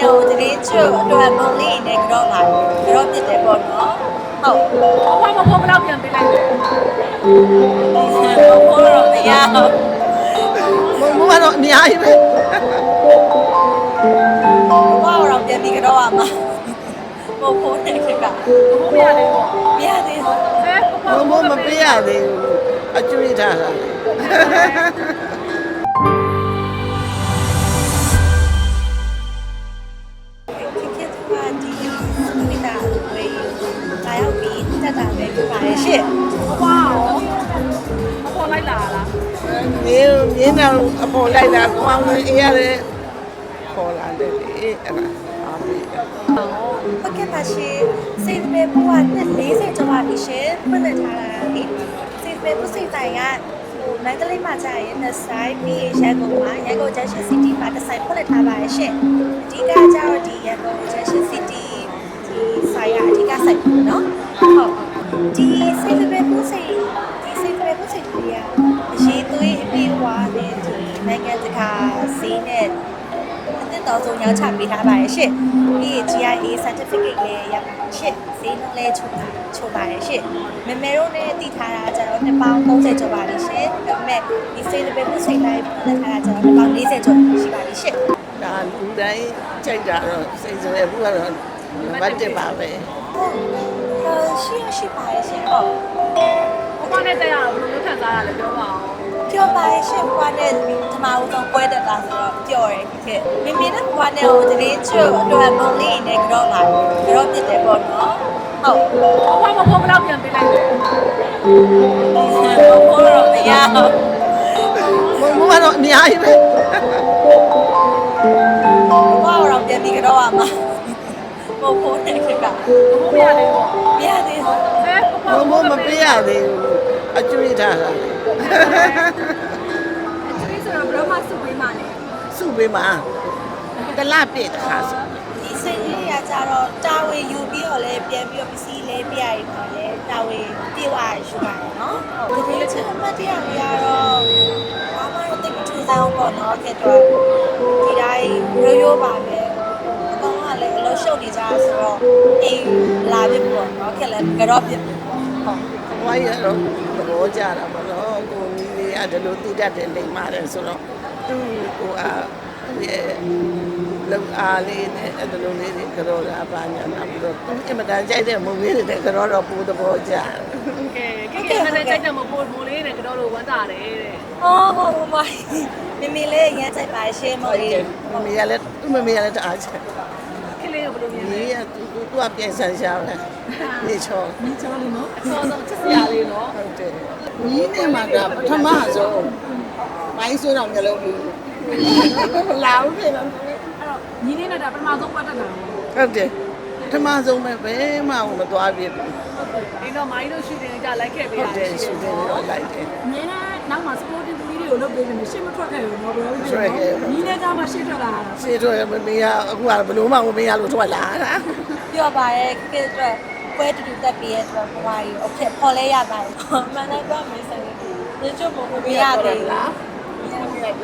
ဟိုတရင်ကျွတ်အတွက်မုံလေးနဲ့ကတော့ပါကတော့ပြစ်တယ်ပေါ့နော်ဟုတ်ဘာမှမဖို့ဘလောက်ပြန်ပေးလိုက်တယ်ဘိုးတော့မရဘူးဘုံကတော့အများကြီးပဲဘိုးတော့ပြန်ပြီးကတော့ရမှာဘိုးနဲ့ခက်ကဘိုးမရသေးဘူးမရသေးဘူးဘုံမပေးရသေးဘူးအကျွေးထားတာခေတ်ကဒီမိသားစုဝေးလာရောက်ပြီးတက်တာပဲဖြစ်ပါရဲ့ရှင့်ဝါရောမပေါ်လိုက်လာလားမြင်းတော့အပေါ်လိုက်တာကောင်းလို့အေးရတယ်ပေါ်လာတယ်လေအဲ့ဒါအားပေးတယ်ဟုတ်ကဲ့ပါရှင်စိတ်ပဲဘိုးက40ကျော်ပါပြီရှင်ဖွင့်လှစ်ထားတာလေစိတ်ပဲဘိုးစိတ်တိုင်ကမန္တလေးမှာကြာရင်နှစ်ဆိုင်ပြီးရန်ကုန်မှာရန်ကုန် Junction City မှာတစ်ဆိုင်ဖွင့်လှစ်ထားပါရဲ့ရှင်အဓိကကျတော့ဒီရန်ကုန် Junction City ဒီဆိုင်ကအဓိကဆိုင်ပေါ့နော်ဟုတ်ဒီစိတ်ပဲဘိုးစိတ်ဒီစိတ်ပဲဘိုးစိတ်ကြီးကအရေးသွေးအပြေဝါနဲ့ဒီနိုင်ငံတကာဈေးနဲ့အသစ်တော်ဆုံးရောက်ချပေးထားပါရဲ့ရှင့်ပြီး GIA certificate လည်းရပါရှင့်ဈေးနှုန်းလည်းချုပ်ပါရဲ့ရှင့်မမေတို့နဲ့တည်ထားတာကျတော့နှစ်ပေါင်း30ကျော်ပါလိမ့်ရှင်ဒါပေမဲ့ဒီစိတ်ပဲဘုစိတ်တိုင်းဖွင့်ထားတာကျတော့နှစ်ပေါင်း40ကျော်ရှိပါလိမ့်ရှင့်ဒါလူတိုင်းကြိုက်တာတော့စိတ်ဆိုရဘူးကတော့ဘာတက်ပါပဲရှိပါရဲ့ရှင်ဟုတ်ဘိုးမနဲ့တက်ရအောင်ဘယ်လိုခံစားရလဲပြောပါအောင်ပြောပါရဲ့ရှင်ဘွားနဲ့ဒီမှာဦးဆုံးပွဲတက်တာဆိုတော့ပျော်တယ်ခေမိမိနဲ့ဘွားနဲ့ဟိုတရင်ကျွတ်အတွက်မုံလေးနဲ့ကတော့ပါကတော့ပြစ်တယ်ပေါ့နော်ဟုတ်ဘာမှမဖို့ဘလောက်ပြန်ပေးလိုက်တယ်ဘိုးတော့မရဘူးဘုံကတော့အများကြီးပဲဘိုးတော့ပြန်ပြီးကတော့ရမှာဘိုးနဲ့ခက်ကဘိုးမရသေးဘူးမရသေးဘူးဘုံမပေးရသေးဘူးအကျွေးထားတာဒီဆိုတော့ဘယ်တော့မှစုပေးမှလဲစုပေးမှာတလားပြည့်တခါဆိုဒီစိတ်ကြီးကကြတော့တာဝေယူပြီးတော့လည်းပြန်ပြီးတော့ပစ္စည်းလေးပြရည်ပါလေတာဝေပြေဝရရှိပါတယ်နော်ဟုတ်ဒီလိုချက်မှတ်တရတွေကတော့ဘာမှတော့တိတ်မထူးဆန်းဘူးပေါ့နော်ခဲ့တော့ဒီတိုင်းရိုးပါပဲအကောင်ကလည်းအလို့ရှုပ်နေကြဆိုတော့အေးလာပြီပေါ့နော်ခဲ့လည်းကတော့ပြဟုတ်ဘွားရတော့သဘောကျတာမလို့ကိုကြီးလေးကဒီလိုတည်တတ်တယ်လိမ့်ပါတယ်ဆိုတော့သူ့ကိုအားရဲ့လောက်အားလေးနဲ့အဲ့လိုလေးတွေကြောတာပါညာနောက်ပြီးတော့အင်မတန်ကြိုက်တဲ့မုံလေးတွေကြောတော့ပူသဘောကျတယ်ကဲကဲမနဲ့ကြိုက်တယ်မပို့မိုးလေးနဲ့ကတော့လို့ဝမ်းတာတယ်တဲ့ဟုတ်ပါမမေလေးရမ်းကြိုက်ပါရှင်းမလေးမမေရလည်းသူ့မမေရလည်းတအားချက်ခလေးကိုဘယ်လိုမြင်လဲဒီကသူကပြန်ဆန်းရှားတယ်နေချောမင်းချောလို့နော်အစောဆုံးချစ်စရာလေးနော်ဟုတ်တယ်ညီးနေမှာကပထမဆုံးမိုင်းဆိုးတော့မျိုးလုံးဘူးလာဦးပြန်တော့အဲ့တော့ညီလေးနဲ့ဒါပထမဆုံးပတ်တက်တာဟုတ်တယ်ပထမဆုံးပဲဘယ်မှမသွားပြဘူးဒီတော့မိုင်းတို့ရှူတင်ကြလိုက်ခဲ့ပေးဟုရတ်တယ်ရှူတင်တော့လိုက်တယ်အများနဲ့နောက်မှာ sporting တူလေးတွေကိုလုပ်ပေးနေရှေ့မထွက်ခဲ့ဘူးတော့ဘယ်လိုထွက်ခဲ့ဘူးညီနဲ့ကမှရှေ့ထွက်လာတာစေတော့မမေရအခုကဘလို့မှမမေရလို့ထွက်လာတာပြောပါရဲ့ခေတ်အတွက်ပွဲတူတူတက်ပြီးရဲ့အတွက်ဘဝကြီးโอเคပေါ်လဲရပါတယ်မှန်တယ်ကွာမင်းစနေဒီကျုပ်ဘုံမရသေးလားရတယ်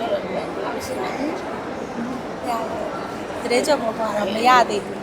တရေကျုပ်ဘုံကတော့မရသေးဘူး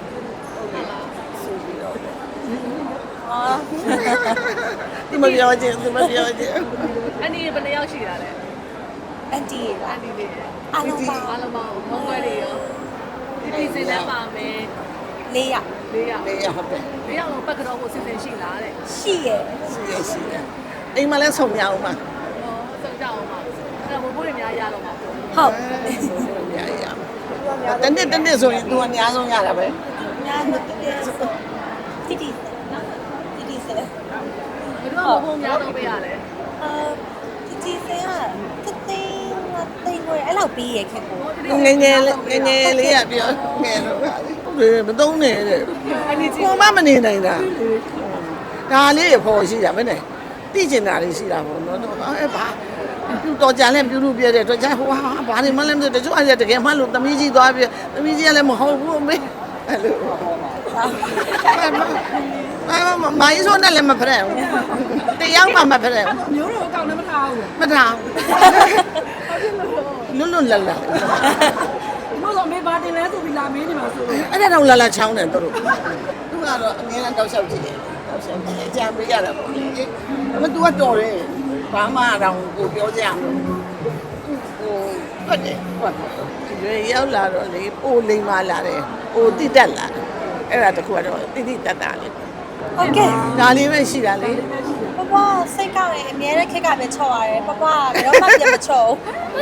ဟာဒီမပြောချင်းဒီမပြောချင်းအဲ့ဒီဘယ်နှယောက်ရှိတာလဲအန်တီပါအန်ဒီလေးအားလုံးပါအားလုံးပေါင်းမုံွယ်တွေရောဒီဒီစင်လည်းပါမယ် 400 4ယောက်လေးရဟုတ်တယ် 4ယောက်လုံးပတ်ကတော့ကိုစီစဉ်ရှိလားတဲ့ရှိရဲ့ရှိရအိမ်မှာလဲဆုံရအောင်ပါဟောစုံကြအောင်ပါအဲ့တော့ဘိုးဘိုးတွေများရတော့မှာပေါ့ဟုတ်ရရတနေ့ဆိုရင်သူအများဆုံးရတာပဲညာမတူတဲ့တီတီတီတီဆဲဘယ်တော့ဘိုးများတော့ပေးရလဲတီတီဆဲကတိတ်ဝဲအဲ့လောက်ပြီးရခဲ့ကိုငယ်လေးရပြောငယ်တော့မသုံးနဲ့တဲ့အဲ့ဒီကြီးကိုမမနေနိုင်တာဒါလေးရဖို့ရှိတာပဲနဲ့သိကျင်တာလေးရှိတာပေါ့နော်အဲ့ဘာတော်ကြလဲပြုလို့ပြတဲ့တော့ကြာဟိုဟာဘာနေမှလည်းမသိတချို့အဲ့တကယ်မှလို့သမီးကြီးသွားပြသမီးကြီးကလည်းမဟုတ်ဘူးအမေအဲ့လိုမိုင်းဆိုနဲ့လည်းမဖရက်ဘူးတရားမှမဖရက်ဘူးမျိုးတော်အကောင့်နဲ့မထားဘူးမထားလွတ်လွတ်လပ်လပ်ဒီမှာဆိုအမေဘာတင်လဲဆိုပြီးလာမင်းနေမှာဆိုလို့အဲ့ဒါတော့လာလာချောင်းတယ်တို့သူကတော့အငင်းတောက်လျှောက်ကြည့်တယ်တောက်လျှောက်ကြည့်တယ်အကြံပေးရတာပေါ့လေဒါပေမဲ့ तू ကတော်တယ်ဘာမှတော့ကိုပြောကြရမလို့ဟိုဟုတ်တယ်ဟုတ်တယ်ရောက်လာတော့လေပိုလိမ်မာလာတယ်ပိုတိတက်လာတယ်အဲ့ဒါတခုကတော့တိတိတက်တာလေဟုတ်ကဲ့ဒါလေးပဲရှိတာလေပပစိတ်ကောက်ရင်အများနဲ့ခက်ကပဲချော့ရတယ်ပပဘယ်တော့မှပြန်မချော့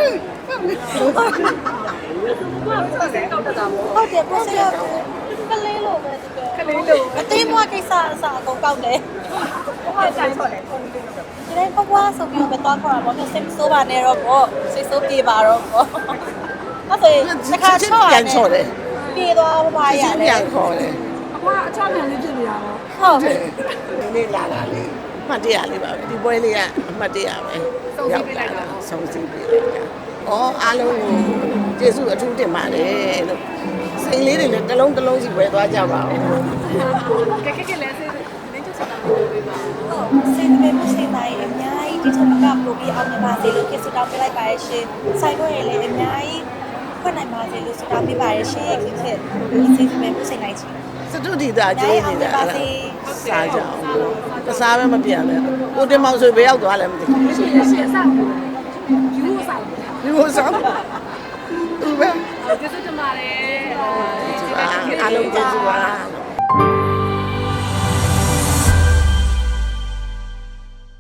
ဟုတ်တယ်ပို့စရကလေးလိုပဲဒီကလေးလိုအသေးမွားကိစ္စအစားအကုန်ကောက်တယ်ဟုတ်တယ်ချော့တယ်ဒီတိုင်းပပဆိုပြီးတော့သွားခေါ်တာပေါ့စိတ်ဆိုးပါနဲ့တော့ပေါ့စိတ်ဆိုးပြေပါတော့ပေါ့အဲ့ဆိုတစ်ခါချော့ရတယ်ပြေသွားပပရရှင်းတပြယ်ခေါ်တယ်အကွာအချောင်းမြန်လေးဖြစ်နေတာပေါ့ဟုတ်ဒီနေ့လာတာလေအမှတ်တရလေးပါပဲဒီပွဲလေးကအမှတ်တရပဲရောက်လာတာဆုံးစီးပေးလိုက်တာဩအားလုံးကိုကျေးဇူးအထူးတင်ပါတယ်လို့စိန်လေးတွေလည်းတစ်လုံးတစ်လုံးစီဝယ်သွားကြပါဦးကဲကဲလဲစေးလင်းချစ်တာမျိုးပေးပါဟုတ်စိတ်တွေမစိတ်တိုင်းအများကြီးဒီထက်ကပို့ပြီးအောင်မြင်ပါစေလို့ကျေးဇူးတောင်းပေးလိုက်ပါရရှင်ဆိုင်တော့ရလည်းအများကြီးဖွင့်နိုင်ပါစေလို့ဆုတောင်းပေးပါရရှင်ခင်ဗျစိတ်တွေမစိတ်တိုင်းချင်စတုဒီတာကျေးနေတာစားကြအောင်ကစားပဲမပြန်နဲ့ကိုတင်မောင်ဆိုဘယ်ရောက်သွားလဲမသိဘူးရှင်းရှင်းစယူစားဒီလိုစားသူပဲကျေးဇူးတင်ပါတယ်အားလုံးကျေးဇူးပါ